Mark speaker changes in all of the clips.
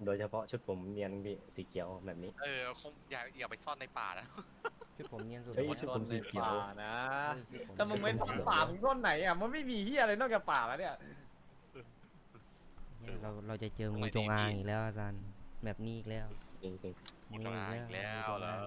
Speaker 1: โดยเฉพาะชุดผมเนียนพี่สีเขียวแบบนี้
Speaker 2: คงอย่าไปซ่อนในป่านะ
Speaker 3: ชุดผมเนียนสุด
Speaker 1: เฮ้ย
Speaker 3: แล้ว
Speaker 1: ชุดผมสีเขียว
Speaker 4: ป่านะ
Speaker 3: เฮ้ยชุดผม
Speaker 4: ถ้ามึงไม่ซ่อนป่ามึงซ่อนไหนอ่ะมันไม่มีเฮียอะไรนอกจากป่าแล้วเนี่ย
Speaker 3: เนี่ยเราจะเจองูจงอางอีกแล้วอาจารย์แบบนี้อีกแล้ว
Speaker 1: จริง
Speaker 2: งูจงอางอีกแล้วเหรอ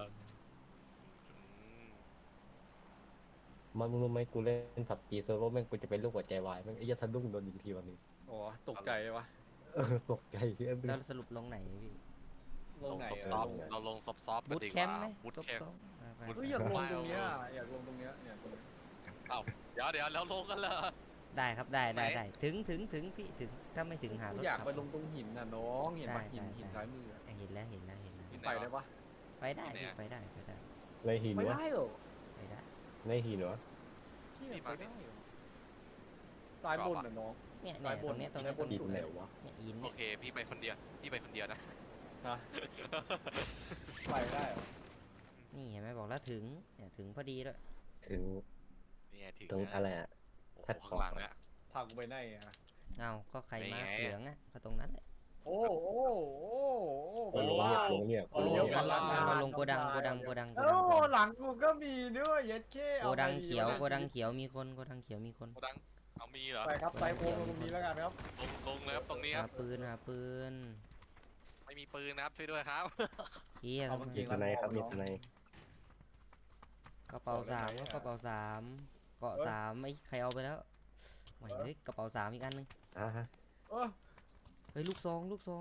Speaker 1: ๆมันรู้ไหมกูเล่นผับจีเซิร์ฟเวอร์แม่งกูจะเป็นลูกหัวใจวายแม่งไอ้ยาสะดุ้งโดนยิงทีวันนี้
Speaker 4: โอ้ตกใจวะ
Speaker 1: ตกใจพี่เอ้ย
Speaker 3: แล้วสรุปลงไหนพี่
Speaker 4: ลงไหน
Speaker 2: ซอฟๆเราลงซอฟๆกัน
Speaker 3: บูท
Speaker 2: ดี
Speaker 3: แค
Speaker 2: ก
Speaker 3: ม
Speaker 2: ว่า
Speaker 3: ป์ไหม
Speaker 2: บูท
Speaker 3: ซบ
Speaker 2: แคมป์
Speaker 3: ๆไป
Speaker 2: บูท
Speaker 4: เฮ้ยอยากลงตรงเนี้ยอยากลงตรงเนี้ยเนี่ยตรงเนี้ย
Speaker 2: เอ้าเดี๋ยวแล้วลงกันเลย
Speaker 3: ได้ครับได้
Speaker 2: ไหน
Speaker 3: ถึงพี่ถึงถ้าไม่ถึงหาร
Speaker 4: กู
Speaker 3: ถ
Speaker 4: อยาก
Speaker 3: ขับ
Speaker 4: ไปลงตรงหินน่ะน้องเห็นปะ
Speaker 3: ได้
Speaker 4: หิน
Speaker 3: ได้
Speaker 4: หินซ้ายมืออะ
Speaker 3: เห็นแล้ว
Speaker 4: ไปได้ปะ
Speaker 3: ไปได้พี่ไปได้
Speaker 1: ในหิน
Speaker 4: ไม่
Speaker 1: วะ
Speaker 4: ได้เหรอ
Speaker 3: ไปได้
Speaker 1: ในหินวะ
Speaker 4: เชี่ยไปได้เหรอซ้ายบนน่ะน้อง
Speaker 3: เนี่ย
Speaker 4: ซ้ายบ
Speaker 3: ตร
Speaker 4: น
Speaker 3: งเนี้ยตรง
Speaker 4: ซ้า
Speaker 3: เนี้
Speaker 4: ย
Speaker 3: ย
Speaker 4: บน
Speaker 1: หินไหนวะ
Speaker 3: เนี่ยอิน
Speaker 2: โอ
Speaker 3: เนี่ย
Speaker 2: เคพี่ไปคนเดียวนะ
Speaker 4: ฮะไปได้เหรอ
Speaker 3: นี่เห็นไหมบอกแล้วถึงเนี่ยถึงพอดีด้วย
Speaker 1: ถึง
Speaker 2: นี่ไงถึง
Speaker 1: ตรง
Speaker 2: น
Speaker 1: อะไรอ่ะ
Speaker 2: โอ้โห
Speaker 1: แพลตฟอ
Speaker 2: ข้า
Speaker 1: ร์
Speaker 2: ง
Speaker 1: ม
Speaker 2: หลังเนี่ย
Speaker 4: พากูไปไหนอ่ะ
Speaker 3: เอาก็ใครมา
Speaker 2: นี่ไง
Speaker 3: เหลืองอ่ะก็ตรงนั้นแหละ
Speaker 4: โอ้โอ้โอ้โอ้
Speaker 1: โอ้ลง
Speaker 4: ว้า
Speaker 1: เงียบ
Speaker 4: ว
Speaker 1: ลงเงียบ
Speaker 4: โอ้
Speaker 1: ลงเงียบ
Speaker 4: เดี๋ยวก่อนละ
Speaker 3: เราลงโกดัง
Speaker 4: โอ้หลังกูก็มีด้วยเย็ดเข้
Speaker 3: โกดังเขียวมีคนโกดังเขียวมีคน
Speaker 2: โกดังเอามีเหรอ
Speaker 4: ไปครับไปโค้งตรงนี้แล้วกันครับ
Speaker 2: ลงเลยครับตรงนี้ค
Speaker 3: หา
Speaker 2: รับ
Speaker 3: ปืน
Speaker 2: ไม่มีปืนนะครับช่วยด้วยครับ
Speaker 3: เฮีย
Speaker 4: เอา
Speaker 3: ทำ
Speaker 4: มา
Speaker 3: ไม
Speaker 4: เก็
Speaker 1: มี
Speaker 4: บ
Speaker 1: สไนด์ครับมีสไนด์
Speaker 3: กระเป๋าสามก็กระเป๋าสามเกาะสามไอ้ใครเอาไปแล้วไม่เฮ้ยกระเป๋าสามอีกอันนึง
Speaker 1: ฮะ
Speaker 4: เออ
Speaker 3: เฮ้ยลูกซอง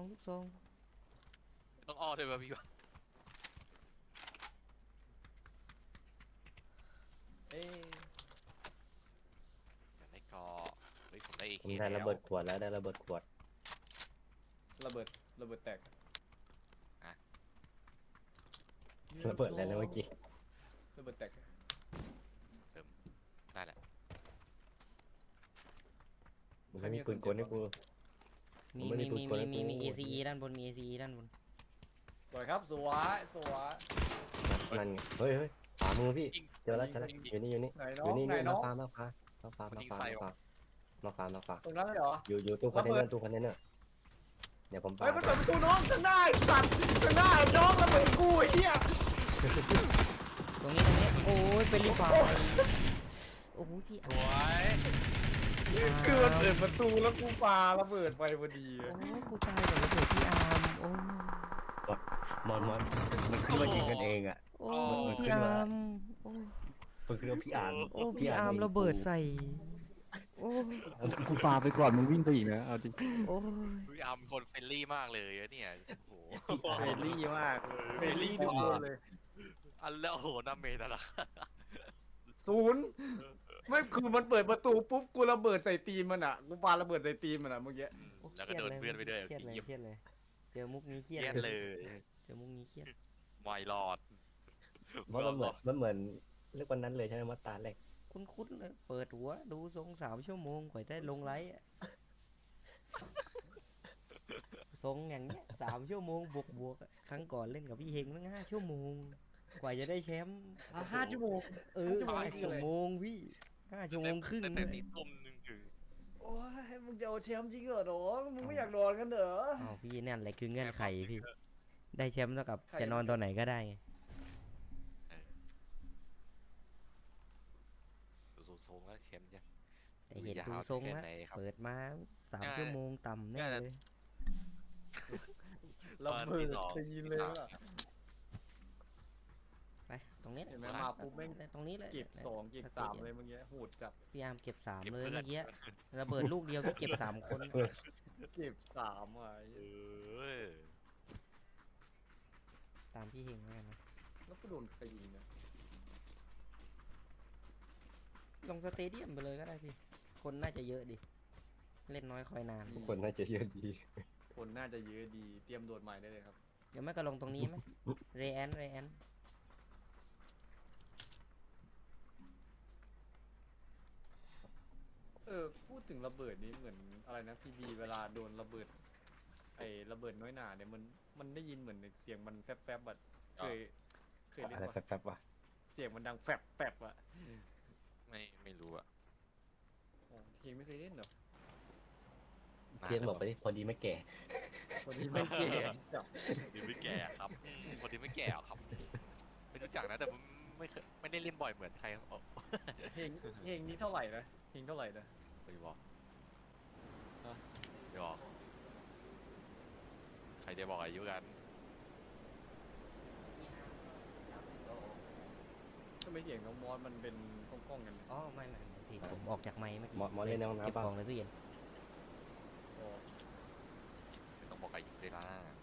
Speaker 2: ต้องอ้อด้วยป่ะพี่วะ
Speaker 4: เอ๊ะ
Speaker 2: อยากได้เกาะเฮ้ยผมได้ AK
Speaker 1: ผมได้ระเบิดขวดแล้วได้ระเบิดขวด
Speaker 4: ระเบิดแตก
Speaker 1: ระเบิดอะไรนะเมื่อกี้
Speaker 4: ระเบิดแตก
Speaker 2: ได้แหละ
Speaker 1: มันไม่มีปืนกลให้กู
Speaker 3: มี
Speaker 1: ผมไม่ได้พูดก่อนนะ
Speaker 3: มี ACE ด้านบนมี ACE ด้านบน
Speaker 4: สวยครับสวยสวย
Speaker 1: นั่นไงเฮ้ยขวามือพี่เจอแล้วอยู่นี่
Speaker 4: ไหนน้
Speaker 1: อ
Speaker 4: อยู่ ง
Speaker 1: นี่
Speaker 4: ไหนน้อง
Speaker 1: มาฟ้า
Speaker 4: ตรงนั้นเลยเหรอ
Speaker 1: อยู่ตู้คอนเทนเนอร์เดี๋ยวผมปา
Speaker 4: เฮ้ยมันเปิดประตูน้องข้างหน้าไอ้สัตว์ข้างหน้าไอ้น้องระเบิดกูไอ้เหี้ย
Speaker 3: ตรงนี้โอ้ยเป็นรีไฟโอ้โหพี่
Speaker 2: สวย
Speaker 4: คือมันเปิดประตูแล้วกูปาระเบิดไปพอดี
Speaker 3: โอ้กูตายกับระเบิดพี่อาร์มโอ้
Speaker 1: มันขึ้นมายิงกันเองอ่ะ
Speaker 3: โอ้พี่อาร์มโอ้
Speaker 1: มันคือพี่อ่าน
Speaker 3: โอ้พี่อาร์มระเบิดใส่โอ้
Speaker 5: กูปาไปก่อนมึงวิ่งไปอีกนะเอาจริง
Speaker 3: โอ้ย
Speaker 2: พี่อาร์มเป็นคนเฟรนลี่มากเลยอะเนี่ยโอ้โห
Speaker 4: เฟรนลี่มากเฟรนลี่ทุกคนเลย
Speaker 2: อันแล้วโอ้โหน้าเมย์นั่นแหละ
Speaker 4: ศูนย์ไม่คือมันเปิดประตูปุ๊บกูระเบิดใส่ตีนมันอ่ะกูปาระเบิดใส่ตีนมันอ่ะเมื่อกี้
Speaker 2: แล้วก็โดนเพื่อนไปด้วย
Speaker 3: เครียดเลย
Speaker 2: เงียบ
Speaker 3: เครียดเลยเจอมุกนี้เครียด
Speaker 2: เงียบเลย
Speaker 3: เจอมุกนี้เครียด
Speaker 2: ไม่รอด
Speaker 1: เพราะมันเหมือนเรื่องวันนั้นเลยใช่ไหมมาตาแรก
Speaker 3: คุ้นๆเลยเปิดหัวดูทรง3 ชั่วโมงกว่าได้ลงไลฟ์อะทรงอย่างเงี้ย3 ชั่วโมงบวกอะครั้งก่อนเล่นกับพี่เฮงตั้ง5 ชั่วโมง กว่าจะได้แชมป์
Speaker 4: 5 ชั่วโมง
Speaker 3: 5 ชั่วโมงพี่5 ชั่วโมงครึ่ง
Speaker 2: ตั้งแต่4 ทุ่มนึงถึง
Speaker 4: โอ้ยมึงจะเอาแชมป์จริงเหรอน้องมึงไม่อยากนอนกันเหรอ
Speaker 3: อ้าวพี่นั่นแหละคือเงื่อนไขพี่ได้แชมป์เท่ากับ
Speaker 4: ใคร
Speaker 3: จะนอนตอนไหนก็ได้ไง
Speaker 2: ดูทรงแล้วเข็มจ้ะ
Speaker 3: แต่เห็นดูทรงแล้ว
Speaker 2: แค่ไหนครับ
Speaker 3: เปิดมา3 ชั่วโมงต่ำแน่เลย
Speaker 4: ระเบิดตีนเลยอ่ะ
Speaker 3: ไปตรงนี้
Speaker 4: เห็นไหมมาปุ๊บแม่ง
Speaker 3: ตรงนี้เลย
Speaker 4: เก็บ2เก็บ3เลยเมื่อกี้โหดจัด
Speaker 3: พี่อาร์มเก็บ3
Speaker 2: เก็บ
Speaker 3: เลย
Speaker 2: เพื่อน
Speaker 3: เมื่อกี้ระเบิดลูกเดียวพี่เก็บ3 คน
Speaker 4: เก็บ3อ่ะ
Speaker 2: เออ
Speaker 3: ตามพี่เฮงแล้วกันนะ
Speaker 4: แล้วก็โดนใครยิงนะ
Speaker 3: ลงสเตเดียมไปเลยก็ได้พี่คนน่าจะเยอะดิเล่นน้อยคอยนาน
Speaker 1: ทุกคนน่าจะเยอะดี
Speaker 4: คนน่าจะเยอะดีเตรียมโดดใหม่ได้เลยครับ
Speaker 3: เดี๋ยวไม่ก็ลงตรงนี้ไหมเรแอน
Speaker 4: พูดถึงระเบิดนี้เหมือนอะไรนะพีบีเวลาโดนระเบิดไอ้ระเบิดน้อยหนาเนี่ยมันได้ยินเหมือนเสียงมันแฟบแบบเคยเล่น
Speaker 1: อะไร
Speaker 4: ปะ
Speaker 1: แฟบๆวะ
Speaker 4: เสียงมันดังแฟบอ่ะ
Speaker 2: ไม่รู้อะ
Speaker 4: โอ้ทีไม่เคยเล่นเหรอ
Speaker 1: เพียนบอกไปดิพอดีไม่แก่
Speaker 4: คนนี้ไม่เก่
Speaker 2: ล่อยเหมือนใครเอา
Speaker 4: เพลงนี้เท่าไหร่นะเพลงเท่าไหร่นะ
Speaker 2: ไปบอก
Speaker 4: ฮะ
Speaker 2: ไปบอกใครจะบอกอายุกัน
Speaker 4: ทำไมเสียงน้องมอสมันเป็นก้องๆกันเนี่ย
Speaker 3: อ๋อไม่ผิดผมออกจากไมค์เมื่อกี้
Speaker 1: หมอเล่นในห้อง
Speaker 3: เก็บ
Speaker 1: น้ำเปล่า
Speaker 3: ของในตู้เย็น
Speaker 4: อ๋อ
Speaker 2: ไม่ต้องบอกอายุเลยนะ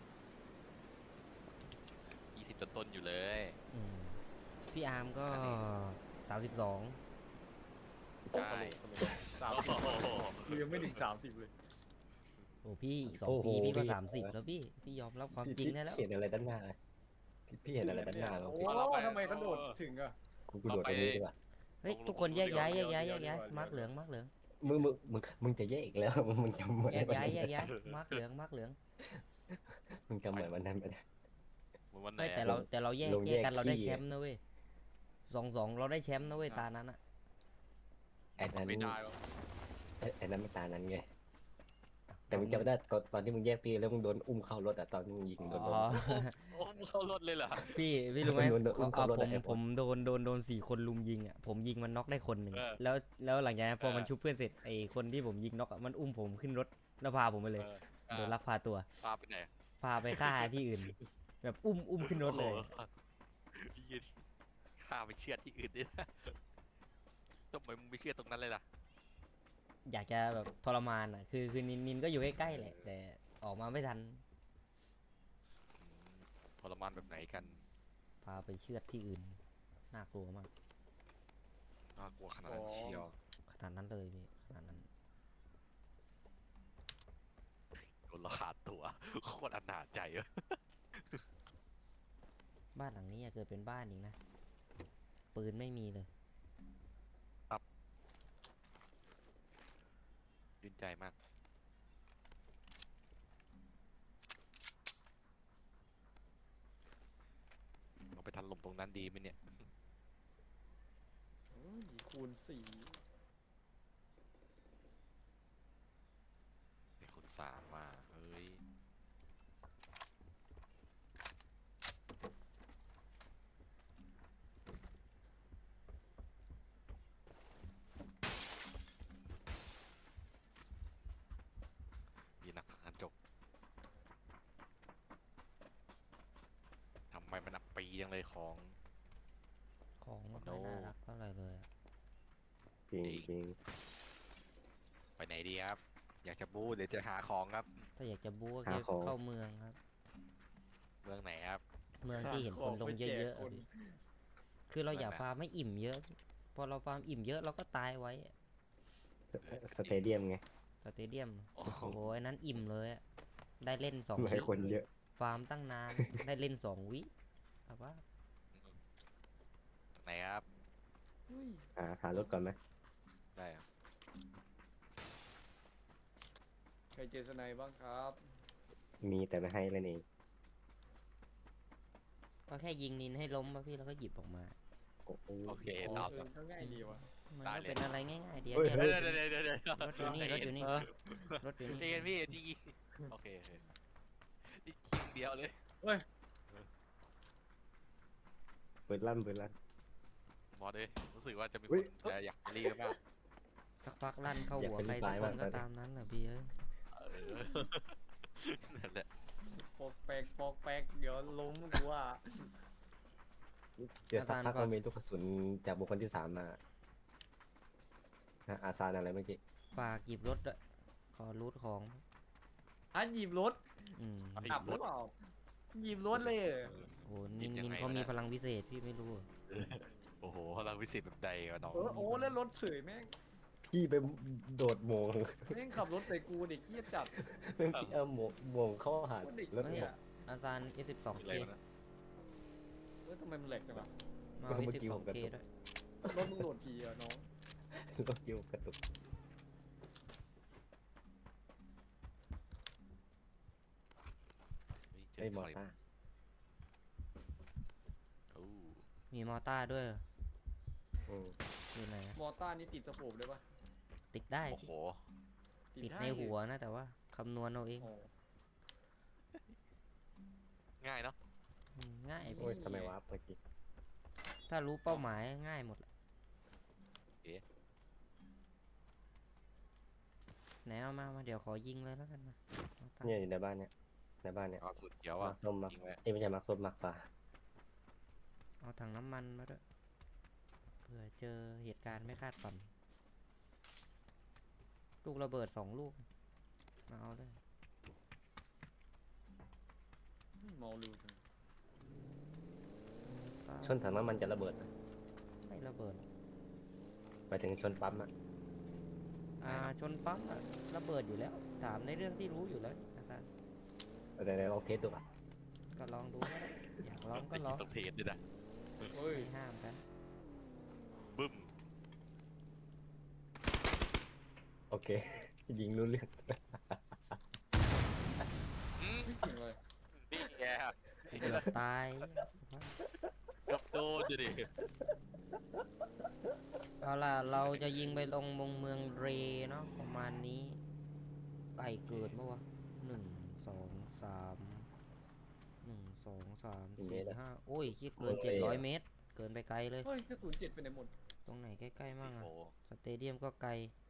Speaker 2: 20ต้นๆอยู่เลย
Speaker 3: อืมพี่อาร์มก็
Speaker 2: อันนี้
Speaker 3: 32
Speaker 2: ใช่
Speaker 4: กูยังไม่ถึง30เลย
Speaker 3: โอ้พี่อีก
Speaker 1: โอ้
Speaker 3: 2
Speaker 1: โห
Speaker 3: ปีพี่ก็
Speaker 1: พี่
Speaker 3: 30แล้วพี่ยอมรับความจริงได้แล้ว
Speaker 1: พี่เห็นอะไรด้านหน้าพี่เห็นอะไรด้านหน้าแล้ว
Speaker 4: โอ้
Speaker 1: พี่
Speaker 4: ทำไมเขาโดดถึงอะ
Speaker 1: กูโดดตรงนี้ดีกว่า
Speaker 3: เฮ้ยทุกคนแยกย้าย
Speaker 4: เดี๋ยว
Speaker 3: มาร์กเหลือง
Speaker 1: มึงจะแยกอีกแล้วมึงจำเหมือน
Speaker 3: แยก
Speaker 1: วัน
Speaker 3: ย้าย
Speaker 1: นั้น
Speaker 3: มาร์กเหลือง
Speaker 1: มึงจำเหมือนวันนั้นไปนะ
Speaker 2: เหมือนวันไหน
Speaker 3: เฮ้ย
Speaker 2: อะ
Speaker 3: แต่เราแยก
Speaker 1: ลงแยก
Speaker 3: กันเราได้
Speaker 1: ขี้
Speaker 3: แชมป์นะเว้ย2-2เราได้แชมป์นะเว้ยตานั้นอะ
Speaker 1: ไอ้นั้น
Speaker 2: ไม่ได้หรอก
Speaker 1: ไอ้นั้นมันตานั้นไงแต่มึงจำได้ตอนที่มึงแยกตีแล้วมึงโดนอุ้มเข้ารถอะตอนที่มึงยิงโดน
Speaker 3: อ๋อ
Speaker 2: โอ้มึงเข้ารถเลยเหรอ
Speaker 3: พี่รู้ไหม
Speaker 1: โดนอุ้มเข้ารถ
Speaker 3: ผม
Speaker 1: ใน Airport
Speaker 3: ผมโดน4 คนลุมยิงอ่ะผมยิงมันน็อกได้คนหนึ่ง
Speaker 2: เออ
Speaker 3: แล้วหลังจากนั้นพอมัน
Speaker 2: เออ
Speaker 3: ชุบเพื่อนเสร็จไอ้คนที่ผมยิงน็อกอะมันอุ้มผมขึ้นรถแล้วพาผมไปเลย โดนลักพาตัว
Speaker 2: พาไปไหน
Speaker 3: พาไปฆ่าที่อื่น แบบอุ้มขึ้นรถเลย
Speaker 2: โอ้โหยืนข้าไปเชือดที่อื่นดินะทำไมมึงไม่เชือดตรงนั้นเลยล่ะ
Speaker 3: อยากจะแบบทรมานอ่ะคือนินก็อยู่ใกล้ๆแหละ แต่ออกมาไม่ทัน
Speaker 2: ทรมานแบบไหนกัน
Speaker 3: พาไปเชือดที่อื่นน่ากลัวมาก
Speaker 2: น่ากลัวขนาดนั้นเชียว
Speaker 3: ขนาดนั้นเลยพี่ขนาดนั้น
Speaker 2: โดนละขาดตัว โคตรอนาจใจอะ
Speaker 3: บ้านหลังนี้อยากเกิดเป็นบ้านอีกนะปืนไม่มีเลย
Speaker 2: ยื่นใจมากเราไปทันลมตรงนั้นดีไหมเนี่ย
Speaker 4: คูณ
Speaker 2: เป็นคนสามมาเฮ้ยมีนักหันจกทำไมมันอับปีจังเลยของ
Speaker 3: ของไม่ค่อยน่ารักเท่าไหร่เลยอะ
Speaker 1: จริงจริง
Speaker 2: ไปไหนดีครับ อยากจะบู๊หรือจะหาของครับ
Speaker 3: ถ้าอยากจะบู๊ก็แค่เข้าเมืองครับ
Speaker 2: เมืองไหนครับ
Speaker 3: เมืองที่เห็นคนลงเยอะๆอะพี่คือเราอย่าฟาร์มไม่อิ่มเยอะ พอเราฟาร์มอิ่มเยอะเราก็ตายไว้อะ
Speaker 1: สเตเดียมไง
Speaker 3: สเตเดียม
Speaker 2: โอ้
Speaker 3: โอ้โหอันนั้นอิ่มเลยอะได้เล่น2
Speaker 1: ไม่ให้
Speaker 3: วิ
Speaker 1: คนเยอะ
Speaker 3: ฟาร์มตั้งนาน ได้เล่น2 วิครับว่า
Speaker 2: ไหนครับ
Speaker 1: หารถก่อนไหม
Speaker 2: ได้ครับ
Speaker 4: ใครเจอสไนด์บ้างครับ
Speaker 1: มีแต่ไม่ให้เล่นเอง
Speaker 3: ก็แค่ยิงนินให้ล้มมาพี่แล้วก็หยิบออกมา
Speaker 1: โอ้โห
Speaker 2: โอเค
Speaker 4: โอ้
Speaker 2: ตอบ
Speaker 4: ก็ง่ายดีว่ะ
Speaker 3: มัน
Speaker 2: ได้
Speaker 3: ก็
Speaker 2: เลย
Speaker 3: เป็นอะไรง่ายๆเดียว
Speaker 1: เฮ้ย
Speaker 3: แค่
Speaker 1: เฮ้ย
Speaker 2: เดี๋ยว
Speaker 3: รถอยู่นี่รถอยู่นี่รถอยู่
Speaker 2: เรี
Speaker 3: นี่
Speaker 2: ยนพี่ที่โอเคนี่ยิงเดียวเลย
Speaker 1: เปิดลั่น
Speaker 2: มอสเลยรู้สึกว่าจะมีค
Speaker 1: อุ๊ย
Speaker 2: นอยากรีบมาก
Speaker 3: สักพักลั่นเข้า
Speaker 1: อยาก
Speaker 3: หัว
Speaker 1: เป็น
Speaker 3: ใคร
Speaker 1: ลูก
Speaker 3: สัก
Speaker 1: ป
Speaker 3: ค
Speaker 1: ลาย
Speaker 3: น
Speaker 1: มาก
Speaker 3: ก็ตามนั้นแหละพี่เอ้ย
Speaker 2: นั่นแหละ
Speaker 4: ปอกแปกเดี๋ยวล้มกูว่า
Speaker 1: เดี๋ยวสักพักมันมีลูกกระสุนจากบุคคลที่ 3มาอาซานอะไรเมื่อกี้
Speaker 3: ฝากหยิบรถด้วยขอรูทของ
Speaker 4: หยิบรถ
Speaker 3: อืม
Speaker 4: ขับหรือเปล่าหยิบรถเลยเหรอ
Speaker 3: โอ้นินเขามีพลังพิเศษพี่ไม่รู้เหรอ
Speaker 2: โอ้โหเราวิสิตแบบใดวะน้อง
Speaker 4: โอ้แล้วรถเสยแม่ง
Speaker 1: พี่ไปโดดโมง
Speaker 4: แม่งขับรถใส่กูเด็กเครียดจัด
Speaker 1: แม่งพี่เอาโมงเข้าหา
Speaker 4: โคตรเด็ก
Speaker 1: รถ
Speaker 4: เนี่
Speaker 1: โม
Speaker 4: ย
Speaker 1: ง
Speaker 3: อาจารย์ S12K
Speaker 2: อะไรวะนะ
Speaker 4: ทำไมมันแหลกจังวะ
Speaker 3: มา
Speaker 1: เมื่อกี้ผมกระ
Speaker 3: S12K
Speaker 1: ตุก
Speaker 3: ด้วย
Speaker 4: รถมึงโหลดทีอะน้อง
Speaker 1: รถโยกกระตุก
Speaker 2: เจ
Speaker 1: ไอ้
Speaker 2: อ
Speaker 1: มอ
Speaker 2: ใคร
Speaker 1: ต้า
Speaker 2: โอ้
Speaker 3: มีมอต้าด้วยเหรอ
Speaker 1: อืม
Speaker 3: อยู่ไหนอะ
Speaker 4: มอต้านี่ติดสโคปได้ปะ
Speaker 3: ติดได้
Speaker 2: โอ้โห
Speaker 3: ติด
Speaker 4: ได้
Speaker 3: ในหัวนะแต่ว่าคำนวณเอาเอง
Speaker 4: โอ้
Speaker 2: ง่ายเนาะ
Speaker 3: ง่าย
Speaker 1: โอ้
Speaker 3: พี่
Speaker 1: ยทำไมวะเมื่อกี้
Speaker 3: ถ้ถ้ารู้เป้าหมายง่ายหมดแหละ
Speaker 2: เอ๊ะ
Speaker 3: ไหนเอามาเดี๋ยวขอยิงเลยแล้วกันมาเอาตั้ง
Speaker 1: เนี่ยอยู่ในบ้านเนี่ยในบ้านเนี่ย
Speaker 2: เอาสูตรเขียว
Speaker 1: มั
Speaker 2: อ่ะ
Speaker 1: กส้มมัก
Speaker 2: ยิงไว้
Speaker 1: ไม่ใช่มักส้มมักฟ้า
Speaker 3: เอาถังน้ำมันมาด้วยเผื่อเจอเหตุการณ์ไม่คาดฝัน ลูกระเบิด2 ลูกมาเอาเลย
Speaker 4: เมาลูจัง
Speaker 1: ชนถังน้ำมันจะระเบิดนะ
Speaker 3: ไม่ระเบิด
Speaker 1: ไปถึงชนปั๊มอะ
Speaker 3: ชนปั๊มอะระเบิดอยู่แล้ว ถามในเรื่องที่รู้อยู่แล้วอาจารย์
Speaker 1: เดี๋ยวลองเทสดูอ่ะ
Speaker 3: ก็ลองดูก็ได้อยากลองก็ลอง
Speaker 2: ต้องเทสด้วยนะ
Speaker 4: เฮ้ย
Speaker 3: ไม่ห้ามกัน
Speaker 2: บึ้ม
Speaker 1: โอเค ยิงรู้เรื่อง
Speaker 2: อืม
Speaker 4: ไม่จริงเลย
Speaker 2: นี่แก
Speaker 3: เกือบตาย
Speaker 2: เกือบโดนดิ
Speaker 3: เอาล่ะเราจะยิงไปลงเมืองเรเนาะประมาณนี้ ไก่เกิดปะวะ1 2 3 4 5โอ้ยคิดเกิน700 เมตร เกินไปไกลเลย
Speaker 4: เฮ้ยกระสุน7ไปไหนหมด
Speaker 3: ตรงไหนใกล้ๆมั่งอะ
Speaker 2: โอ้
Speaker 3: สเตเดียมก็ไกล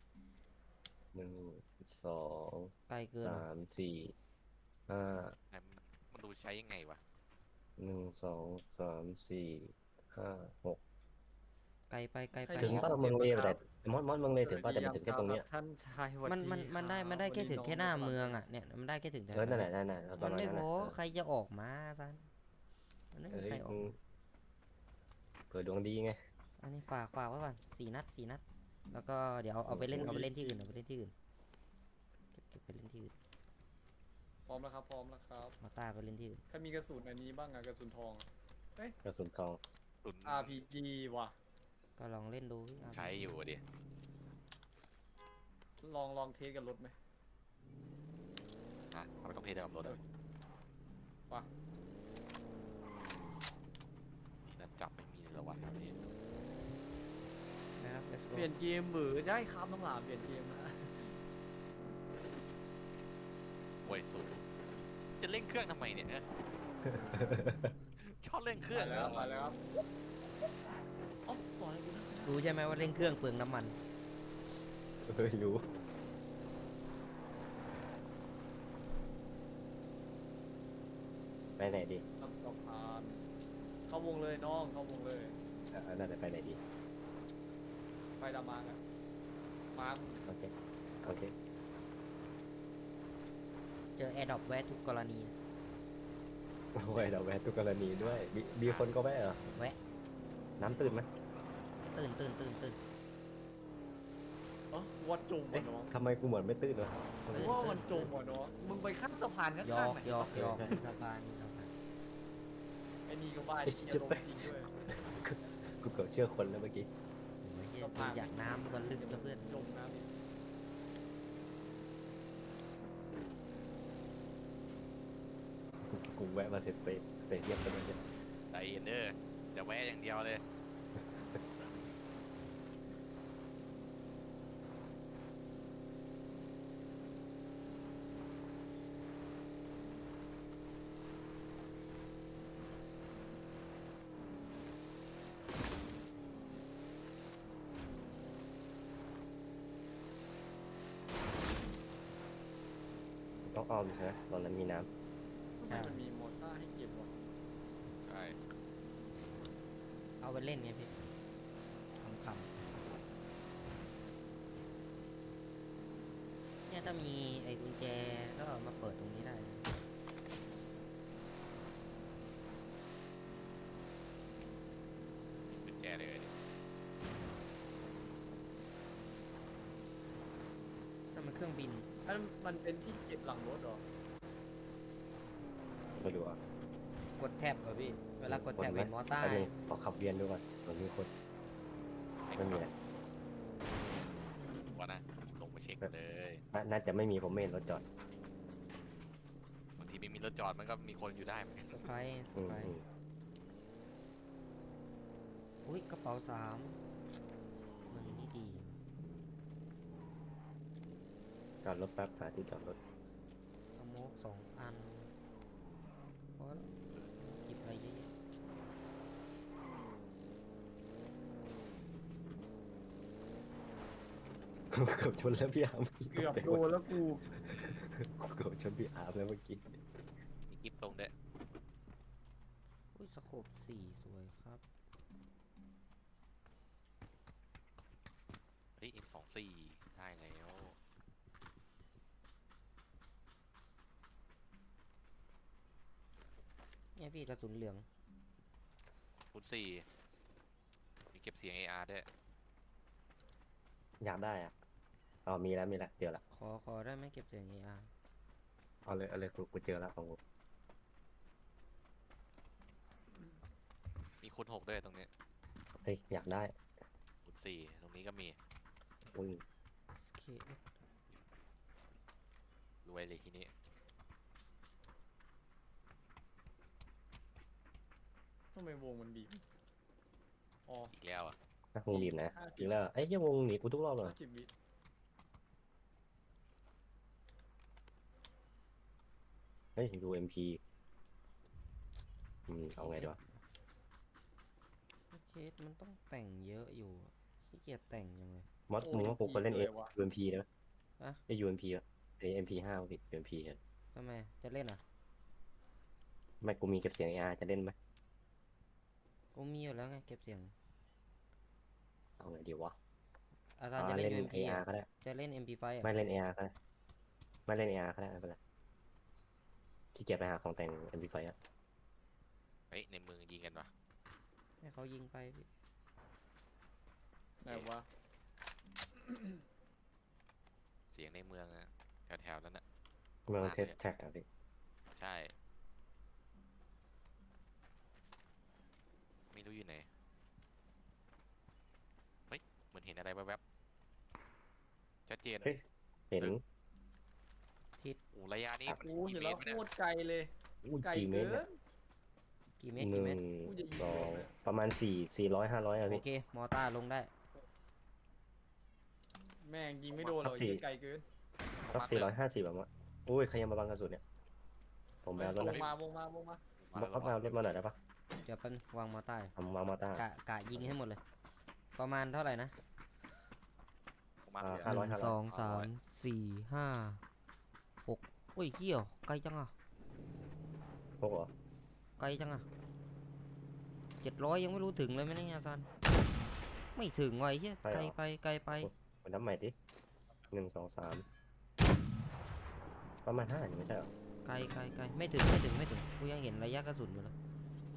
Speaker 1: 1 2
Speaker 3: ไกลเกินอะ
Speaker 1: 3 4 5
Speaker 2: มันดูใช้ยังไงวะ
Speaker 1: 1 2 3 4 5 6
Speaker 3: ไกลไปไกลไป
Speaker 1: ถึงป้าเมืองเลวแต่มอดเมืองเลวถึงป้าแต่มันถึงแค่ตรงเนี้ย
Speaker 4: ท่านชายวั
Speaker 3: มันได้แค่ถึงแค่หน้าเมืองอ่ะเนี่ยมันได้แค่ถึง
Speaker 1: นั่นแหละนั่นแหละประ
Speaker 3: มัน
Speaker 1: มาณ
Speaker 3: ไม่
Speaker 1: นั้น
Speaker 3: พ
Speaker 1: นะ
Speaker 3: อใครจะออกมาซันมันไม่มี
Speaker 1: เอ้ย
Speaker 3: ใครออก
Speaker 1: เผื่อดวงดีไง
Speaker 3: อันนี้ฝากไว้ก่อน4 นัด แล้วก็เดี๋ยวเอาไปเล่นที่อื่นเก็บไปเล่นที่อื่น
Speaker 4: พร้อมแล้วครับพร้อมแล้วครับ
Speaker 3: มาต้าไปเล่นที่อื่น
Speaker 4: ใครมีกระสุนอันนี้บ้างอะกระสุนทอง
Speaker 1: กระสุนทอง
Speaker 2: ตุน
Speaker 4: RPG ว่ะ
Speaker 3: ก็ลองเล่นดูพี่
Speaker 2: ใช้อยู่ดิ
Speaker 4: ลองเทสกับรถไหม
Speaker 2: ฮะทำไมต้องเทสกับรถอ่ะ
Speaker 4: ว่ะ
Speaker 2: นี่นั่นจับไม่มีเลยเหรอวะแถวนี้
Speaker 3: นะครับ let's go
Speaker 4: เปลี่ยนเกมหรือได้ครับน้องหลามเปลี่ยนเกมนะ
Speaker 2: โว้ยสูจะเล่นเครื่องทำไมเนี่ย ชอบเล่นเครื่อง
Speaker 4: มาแล้วมาแล้วครับอ๋อปล่อยกูนะ
Speaker 3: รู้ใช่ไหมว่าเล่นเครื่องเปลืองน้ำมัน
Speaker 1: เฮ้ยรู้ไปไหนดี
Speaker 4: ทำสะพานเข้าวงเลยน้องเข้าวงเลย
Speaker 1: น่าจะไปไหนดี
Speaker 4: ไฟดำมางอะมาร์ค
Speaker 1: โอเคโอเค
Speaker 3: เจอแอร์ดรอปแวะทุกกรณี
Speaker 1: ไว้เราแวะทุกกรณีด้วยมีคนก็แวะเหรอ
Speaker 3: แวะ
Speaker 1: น้ำตื่นไหม
Speaker 3: ตื่น
Speaker 4: อ๋อวัดจม
Speaker 1: เอ๊ะ
Speaker 4: ว่ะน้อง
Speaker 1: ทำไมกูเหมือนไม่ตื่นวะ
Speaker 4: ว่ามันจมว่ะน้องมึงไปข้ามสะพานข้
Speaker 3: ยอ
Speaker 4: าง
Speaker 3: ก
Speaker 4: ๆไหน
Speaker 3: ยอกสะพาน
Speaker 4: ไอ้นี่ก็บ้า
Speaker 1: ไอ้
Speaker 4: ที่
Speaker 1: เหี้ย
Speaker 4: จะลงจริงด้วย
Speaker 1: กูเกือบเชื่อคนแล้วเมื่อกี้
Speaker 3: สะพานอยากน้ำก็ลึกแล้วเพื่อน
Speaker 4: จมน้ำอีก
Speaker 1: กูแวะมาเสร็จไปเยี่ยมกันเลยเนี่ย
Speaker 2: ใจเย็นเด้อจะแวะอย่างเดียวเลย
Speaker 1: ต้องอ้อมใช่ไหมตอนนั้นมีน้
Speaker 4: ทำไมมันมีมอเตอร์ให้เก็บวะ
Speaker 2: ใช่
Speaker 3: เอาไปเล่นไงพี่คำเนี่ยถ้ามีไอ้กุญแจก็เอามาเปิดตรงนี้ได้
Speaker 2: มีกุญแจเลยดิ
Speaker 3: ถ้ามันเครื่องบิน
Speaker 4: อันมันเป็นที่เก็บหลังรถเหรอ
Speaker 1: ำไม่รู้อ่ะ
Speaker 3: กดแท็บเหรอพี่ เวลากดแท็บเป็นมอเตอร์
Speaker 1: แป๊บนึงขอขับเวียนดูก่อนมันมีคนไม่มีแหละ
Speaker 2: ว่านะลงมาเช็คเลย
Speaker 1: น่าจะไม่มีผมไม่เห็นรถจอด
Speaker 2: บางทีไม่มีรถจอดมันก็มีคนอยู่ได้เหมือนกัน
Speaker 3: สไปร์ส
Speaker 1: อืม
Speaker 3: ไปร์อุ้ยกระเป๋า3มึงนี่ดี
Speaker 1: จอดรถแป๊บหาที่จอดรถ
Speaker 3: สโมก2 อันพอแล้วหยิบอะไรเยอะแยะ
Speaker 1: เกือบชนแล้วพี่อาร์ม
Speaker 4: เกือบโดนแล้วกู
Speaker 1: เกือบชนพี่อาร์มแล้วเมื่อกี้
Speaker 2: มีกิฟตรงเด้อ
Speaker 3: อุ้ยสโคป4สวยครับ
Speaker 2: เฮ้ย M24 ได้แล้ว
Speaker 3: เนี่ยพี่กระสุนเหลือง
Speaker 2: คูณ4มีเก็บเสียง AR ด้วย
Speaker 1: อยากได้อ่ะอ๋อมีแล้วเจอละ
Speaker 3: ขอได้ไหมเก็บเสียง AR
Speaker 1: เอาเลยกูเจอแล้วของกู
Speaker 2: มีคูณ6ด้วยตรงนี้
Speaker 1: เฮ้ยอยากได้
Speaker 2: คูณ4ตรงนี้ก็มี
Speaker 1: อุ้ย
Speaker 3: SKS
Speaker 2: รวยเลยทีนี้
Speaker 4: ทำไมวงมันบีบอ๋อ
Speaker 2: อีกแล้วอ่ะ
Speaker 1: นักวงบีบนะ
Speaker 4: 50
Speaker 1: อีกแล้วเอ้ยยังวงหนีกูทุกรอบเลย
Speaker 4: 50 วิ
Speaker 1: เฮ้ยดู MP เอาไงดีวะ
Speaker 3: SKS มันต้องแต่งเยอะอยู่อะขี้เกียจแต่งยังไง
Speaker 1: มอสมึงว่ากูควรเล่น UMP ได้ไหม
Speaker 3: อะ
Speaker 1: ไอ้ UMP อ่ะไอ้ MP5 ผิด UMP อ่ะ
Speaker 3: ทำไมจะเล่นอ่ะ
Speaker 1: ไม่กูมีเก็บเสียง AR จะเล่นไหม
Speaker 3: กูมีอยู่แล้วไงเก็บเสียง
Speaker 1: เอาไงดีวะ
Speaker 3: อาจารย์จะเล่น
Speaker 1: เล่น
Speaker 3: UMP
Speaker 1: AR
Speaker 3: อ่ะ
Speaker 1: ก็ได้
Speaker 3: จะเล่น MP5 อ่ะ
Speaker 1: ไม่เล่น AR ก็ได้ไม่เล่น AR ก็ได้ไม่เป็นไรขี้เกียจไปหาของแต่ง MP5 อ่ะ
Speaker 2: เฮ้ย ในเมืองยิงกันวะ
Speaker 3: ให้เขายิงไปพี่
Speaker 4: ไหนวะ
Speaker 2: เสียงในเมืองอะแถวๆนั้นอะ
Speaker 1: เมืองเทสแท็กอ่ะพี่
Speaker 2: ใช่ ไม่รู้อยู่ไหน เฮ้ย เหมือนเห็นอะไรแวบๆชัดเจน
Speaker 1: เห็น
Speaker 2: โอ้ระยะนี้
Speaker 4: กูเห็น
Speaker 2: เม
Speaker 4: แล้ว
Speaker 2: ตรเนี่ย
Speaker 4: โคตรไกลเลย
Speaker 1: อุ้ย
Speaker 4: ไกล
Speaker 1: กี่เม
Speaker 4: เกิ
Speaker 1: ตร
Speaker 4: น
Speaker 3: กี่เม
Speaker 1: เนี่ย
Speaker 3: ตร
Speaker 1: ห
Speaker 3: กี่
Speaker 1: นึ่
Speaker 3: เมตร
Speaker 1: ง
Speaker 4: กูจะยิง
Speaker 1: สอง
Speaker 4: เลย
Speaker 1: ประมาณ400 500อ่ะ
Speaker 3: โอ
Speaker 1: พี่
Speaker 3: เค มอต้าลงได้
Speaker 4: แม่งยิงไม่โดนหรอก
Speaker 1: สี่
Speaker 4: ยิงไกลเกิน
Speaker 1: สัก450แบบว่าอุ้ยใครยังมาบังกระสุนเนี่ยผมแบวรถ
Speaker 4: ว
Speaker 1: นะ
Speaker 4: งมาวงมา
Speaker 1: บังแบวรถมาหน่อยได้ปะ
Speaker 3: เดี๋ยวเป็นวางมอต้าอยู่
Speaker 1: ทำมาตาก
Speaker 3: ะยิงให้หมดเลย ประมาณเท่าไหร่นะ
Speaker 2: ประมาณ
Speaker 1: 500
Speaker 3: หนึ่งสองสามสี่ห้าหกโอ้ยเหี้ยไกลจังอ่ะ
Speaker 1: พวกเหรอ
Speaker 3: ไกลจังอ่ะ700ยังไม่รู้ถึงเลยไหมเนี่ยอาจารย์ไม่ถึงว่ะไอ้เหี้ยไกลไปไกลไป
Speaker 1: มันนับใหม่ดิ1 2 3ประมาณ5นี่ไม่ใช่เหรอ
Speaker 3: ไกลไม่ถึงกูยังเห็นระยะกระสุนอยู่เลย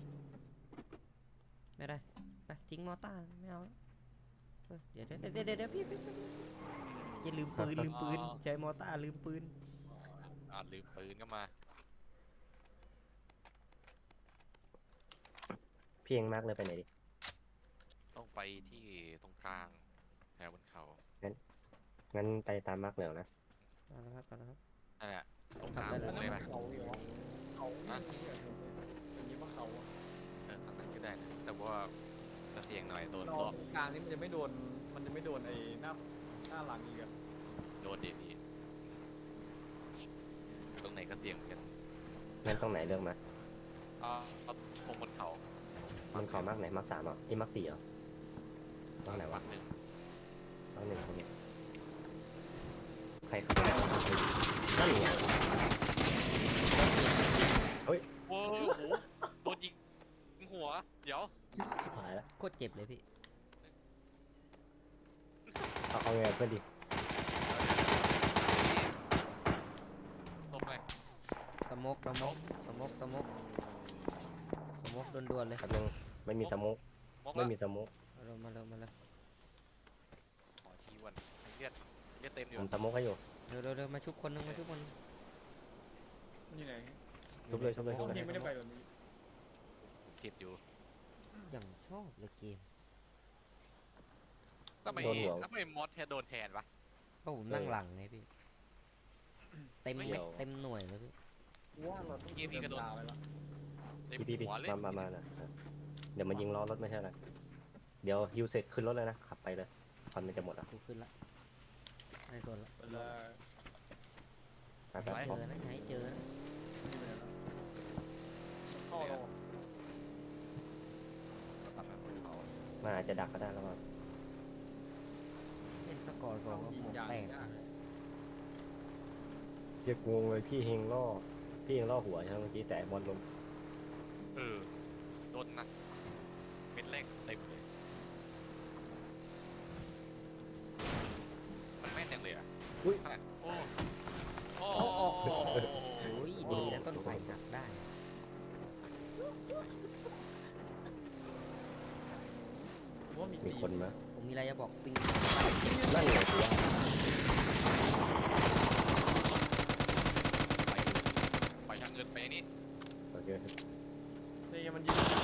Speaker 3: ไม่ได้ไปทิ้งมอต้าไม่เอาแล้วเดี๋ยวพี่อย่าลืมปืนใช้มอต้าลืมปืน
Speaker 2: ลืมปืนก็มา
Speaker 1: พี่เองมากเลยไปไหนดิ
Speaker 2: ต้องไปที่ตรงกลางแถวบนเขา
Speaker 1: งั้นไปตามมาร์กเหลืองนะ
Speaker 3: มาแล้วครับ
Speaker 2: นั่นแหละตรงกลาง
Speaker 3: ไป
Speaker 2: ว
Speaker 3: แล้ว
Speaker 2: งเลยปะ
Speaker 4: เขาเหรอเขา
Speaker 2: ฮะ
Speaker 4: อันนี้ว่าเขาอะ
Speaker 2: ทางนั้นก็ได้นะแต่ว่าจะเสี่ยงหน่อยโดน
Speaker 4: เรา
Speaker 2: รอบ
Speaker 4: กลางนี่มันจะไม่โดนไอ้หน้าหลังอีกอะ
Speaker 2: โดนเดพี่ตรงไหนก็เสี่ยงเหมือนกัน
Speaker 1: งั้นตรงไหนเลือกมา
Speaker 2: เอาตรงบนเขา
Speaker 1: มันเขามากไหนมาร์ก3เหรอมาร์ก4เหรอมาร์กไหนวะ
Speaker 2: หนึ่ง
Speaker 1: มาร์ก1ตรงนี้ใครขับไปแล้วนั่นไง
Speaker 2: โอ้โหโดนยิงหัว เดี๋ยว
Speaker 1: ชิบหายแล้ว
Speaker 3: โคตรเจ็บเลยพี่
Speaker 1: เอาไงเพื่อนดิ
Speaker 2: ตบเลย
Speaker 3: สมกด่วนๆเลย
Speaker 1: แป๊บนึงไม่มีสโมก
Speaker 2: มก
Speaker 1: ไม่
Speaker 2: แล้ว
Speaker 1: มีสโมก
Speaker 3: มาเร็ว
Speaker 2: ขอชี้วันเลือดเต็มอยู่
Speaker 1: ผมสโมกให้อยู่
Speaker 3: เร็วมาชุบคนนึงมาชุบคน
Speaker 4: มันอยู่ไหน
Speaker 1: ชุบเลยชุบเลย
Speaker 4: อ๋
Speaker 1: ชุ
Speaker 4: อบ
Speaker 1: เลย
Speaker 4: พี่ไม่ได้ไปแบบนี้
Speaker 2: ผมเจ็บอยู่
Speaker 3: อย่างชอบเลยเกม
Speaker 2: ทำไมมอสแทนโดนแทนวะ
Speaker 3: เพราะผมนั่งหลังไงพี่เต็ม
Speaker 2: ไม่
Speaker 3: เม็ด
Speaker 2: เกี่ยว
Speaker 3: เต็มหน่วยเลยพี่
Speaker 4: ว่าเราต้อง
Speaker 2: พี่ก็โดน
Speaker 4: เดินยาวไปแล้ว
Speaker 2: เต็ม
Speaker 1: พี่
Speaker 2: หัวเลย
Speaker 1: มาน่ะเดี๋ยวมันยิงล้อรถไม่ใช่เหรอเดี๋ยวฮิวเสร็จขึ้นรถเลยนะขับไปเลยควันมันจะหมดอ่ะ
Speaker 3: กูขึ้นละไม่สนละ
Speaker 4: ไปเลย
Speaker 1: ไปไป
Speaker 3: เจอนะให้เจอนะ
Speaker 4: เข้าเรา
Speaker 1: มาอาจจะดักก็ได้แล้วก็
Speaker 3: เล่นสกอร์สองก็
Speaker 4: ยิง
Speaker 3: หัวย
Speaker 4: าง
Speaker 3: แตก
Speaker 4: ยากเลย
Speaker 1: เรียกงงเลยพี่เฮงล่อหัวใช่ไหมเมื่อกี้แต่บอลลง
Speaker 2: เออโดนหนักเม็ดแรกเต็มเลยมันแม่นจังเลยอ่ะ
Speaker 1: อุ้ย
Speaker 2: โอ้โอ้
Speaker 3: โอ้ยดีนะต้นไผ่หักได้
Speaker 4: ว่ามี
Speaker 1: มี
Speaker 4: ตี
Speaker 1: คนไหม
Speaker 3: ผมมีอะไรจะบอกปิง
Speaker 1: นั่นไงกูว่า
Speaker 2: ไปทางเงินไปนี่
Speaker 1: โอเค
Speaker 4: เนี่ยมันยืน